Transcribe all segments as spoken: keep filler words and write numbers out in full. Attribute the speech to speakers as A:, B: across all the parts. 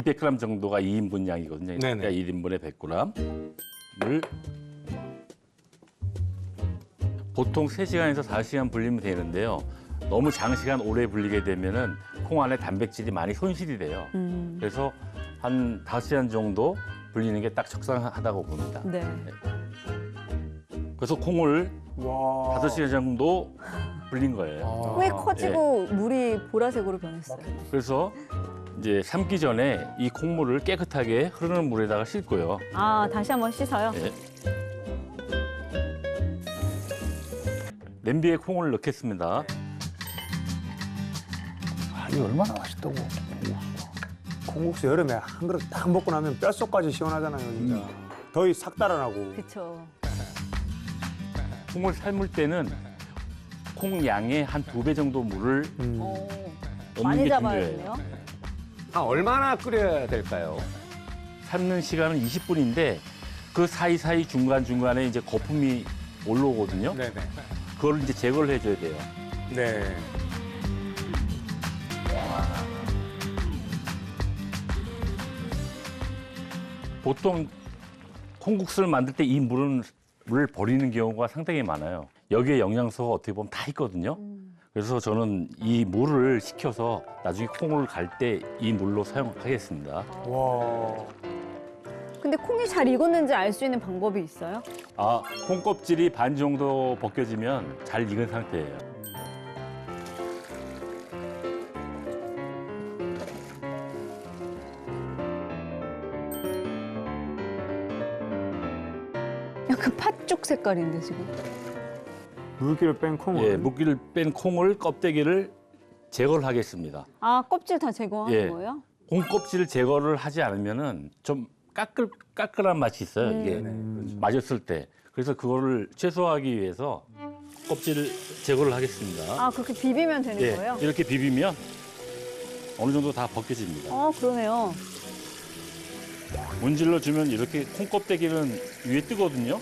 A: 이백 그램 정도가 이 인분 양이거든요.
B: 네네.
A: 그러니까 일 인분에 백 그램 물 보통 세 시간에서 다섯 시간 불리면 되는데요. 너무 장시간 오래 불리게 되면은 콩 안에 단백질이 많이 손실이 돼요.
C: 음.
A: 그래서 한 다섯 시간 정도 불리는 게 딱 적당하다고 봅니다.
C: 네.
A: 그래서 콩을
B: 와.
A: 다섯 시간 정도 불린 거예요.
C: 콩이 커지고 물이 보라색으로 변했어요.
A: 그래서 이제 삶기 전에 이 콩물을 깨끗하게 흐르는 물에다가 씻고요.
C: 아, 다시 한번 씻어요?
A: 네. 냄비에 콩을 넣겠습니다.
D: 아, 이게 얼마나 맛있다고.
B: 콩국수 여름에 한 그릇 딱 먹고 나면 뼛속까지 시원하잖아요, 진짜. 더위 싹 달아나고.
C: 그쵸.
A: 콩을 삶을 때는 콩 양의 한 두 배 정도 물을
B: 음.
C: 어,
A: 넣는
C: 많이
A: 게
C: 잡아야겠네요.
A: 중요해요.
D: 한 얼마나 끓여야 될까요?
A: 삶는 시간은 이십 분인데 그 사이사이 중간중간에 이제 거품이 올라오거든요.
B: 네네.
A: 그걸 이제 제거를 해줘야 돼요.
B: 네.
A: 보통 콩국수를 만들 때 이 물은 물을 버리는 경우가 상당히 많아요. 여기에 영양소가 어떻게 보면 다 있거든요. 그래서 저는 이 물을 식혀서 나중에 콩을 갈 때 이 물로 사용하겠습니다.
B: 와.
C: 근데 콩이 잘 익었는지 알 수 있는 방법이 있어요?
A: 아, 콩 껍질이 반 정도 벗겨지면 잘 익은 상태예요.
C: 약간 팥죽 색깔인데 지금.
B: 물기를 뺀 콩을.
A: 예, 물기를 뺀 콩을 껍데기를 제거를 하겠습니다.
C: 아, 껍질 다 제거하는
A: 예.
C: 거예요?
A: 콩 껍질 제거를 하지 않으면은 좀 까끌 까끌한 맛이 있어요. 이게
B: 음.
A: 맞았을 때. 그래서 그거를 최소화하기 위해서 껍질을 제거를 하겠습니다.
C: 아, 그렇게 비비면 되는
A: 예,
C: 거예요?
A: 이렇게 비비면 어느 정도 다 벗겨집니다.
C: 어, 그러네요.
A: 문질러 주면 이렇게 콩 껍데기는 위에 뜨거든요.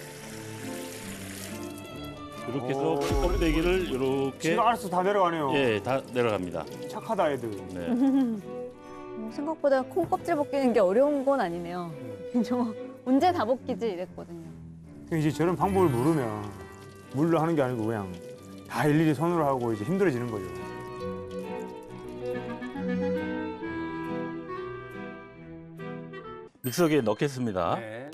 A: 이렇게 해서
B: 오.
A: 콩 껍데기를 이렇게
B: 지가 알아서 다 내려가네요.
A: 예, 다 내려갑니다.
B: 착하다, 애들.
A: 네.
C: 어, 생각보다 콩 껍질 벗기는 게 어려운 건 아니네요. 저 언제 다 벗기지 이랬거든요.
B: 이제 저런 방법을 모르면 물로 하는 게 아니고 그냥 다 일일이 손으로 하고 이제 힘들어지는 거죠.
A: 믹서기에 넣겠습니다.
D: 네.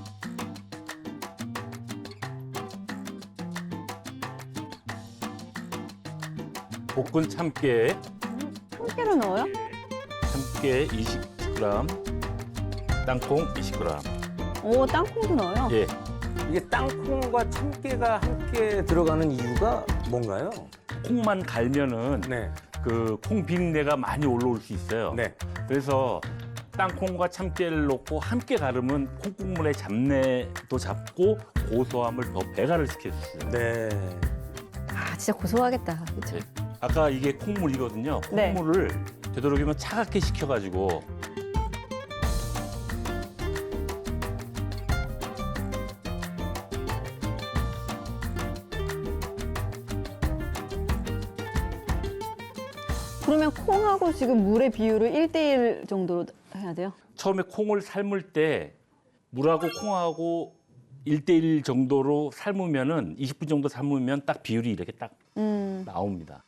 A: 볶은 참깨,
C: 참깨를 넣어요?
A: 참깨 이십 그램, 땅콩 이십 그램.
C: 오, 땅콩도 넣어요?
A: 예,
D: 이게 땅콩과 참깨가 함께 들어가는 이유가 뭔가요?
A: 콩만 갈면은
B: 네.
A: 그 콩 비린내가 많이 올라올 수 있어요.
B: 네.
A: 그래서 땅콩과 참깨를 넣고 함께 가르면 콩국물의 잡내도 잡고 고소함을 더 배가를 시켜주어요.
B: 네.
C: 아, 진짜 고소하겠다. 그쵸?
A: 네. 아까 이게 콩물이거든요.
C: 네.
A: 콩물을 되도록이면 차갑게 식혀가지고
C: 그러면 콩하고 지금 물의 비율을 일 대 일 정도로 해야 돼요?
A: 처음에 콩을 삶을 때 물하고 콩하고 일 대 일 정도로 삶으면은 이십 분 정도 삶으면 딱 비율이 이렇게 딱
C: 음.
A: 나옵니다.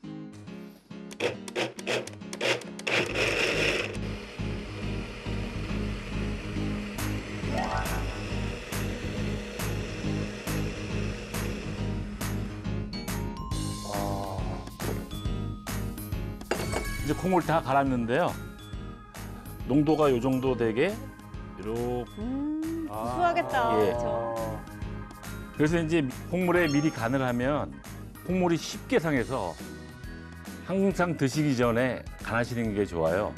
A: 이제 콩을 다 갈았는데요. 농도가 요 정도 되게 이렇게
C: 음, 고소하겠다.
A: 예.
C: 그쵸?
A: 그래서 이제 콩물에 미리 간을 하면 콩물이 쉽게 상해서 항상 드시기 전에 간하시는 게 좋아요.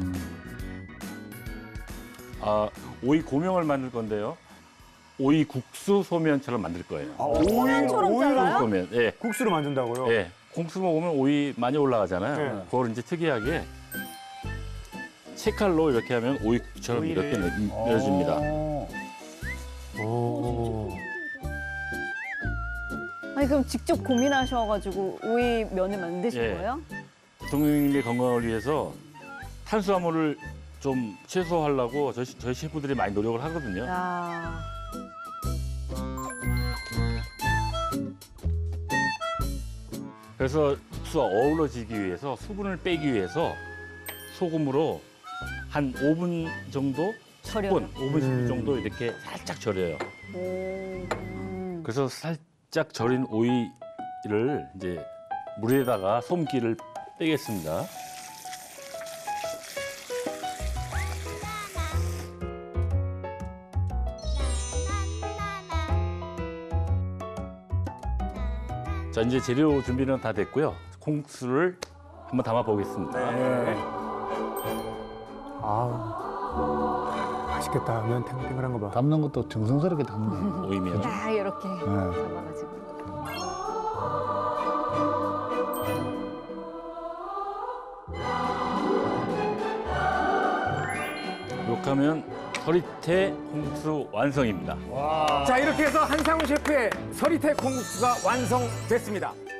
A: 아, 오이 고명을 만들 건데요. 오이 국수 소면처럼 만들 거예요.
B: 아, 오이,
C: 소면처럼
B: 오이를
C: 잘라요?
A: 소면, 예,
B: 국수를 만든다고요?
A: 예. 콩수 먹으면 오이 많이 올라가잖아요.
B: 네.
A: 그걸 이제 특이하게 채칼로 이렇게 하면 오이국처럼
B: 오이를.
A: 이렇게 내- 내어줍니다.
B: 오.
C: 아니, 그럼 직접 고민하셔가지고 오이 면을 만드신
A: 예.
C: 거예요?
A: 대통령님의 건강을 위해서 탄수화물을 좀 최소화하려고 저희, 저희 셰프들이 많이 노력을 하거든요.
C: 야.
A: 그래서 국수와 어우러지기 위해서 수분을 빼기 위해서 소금으로 한 오 분 정도,
C: 절여요.
A: 십 분, 오 분, 십 분
B: 음.
A: 정도 이렇게 살짝 절여요.
C: 오. 음.
A: 그래서 살짝 절인 오이를 이제 물에다가 솜기를 빼겠습니다. 자, 이제 재료 준비는 다 됐고요. 콩국수를 한번 담아 보겠습니다.
B: 아 맛있겠다. 면 탱탱한 거 봐.
E: 담는 것도 정성스럽게 담네.
A: 오이면
C: 딱 이렇게
E: 네.
C: 잡아가지고.
A: 이렇게 하면 서리태 콩국수 완성입니다.
D: 자, 이렇게 해서 한상훈 셰프의 서리태 콩국수가 완성됐습니다.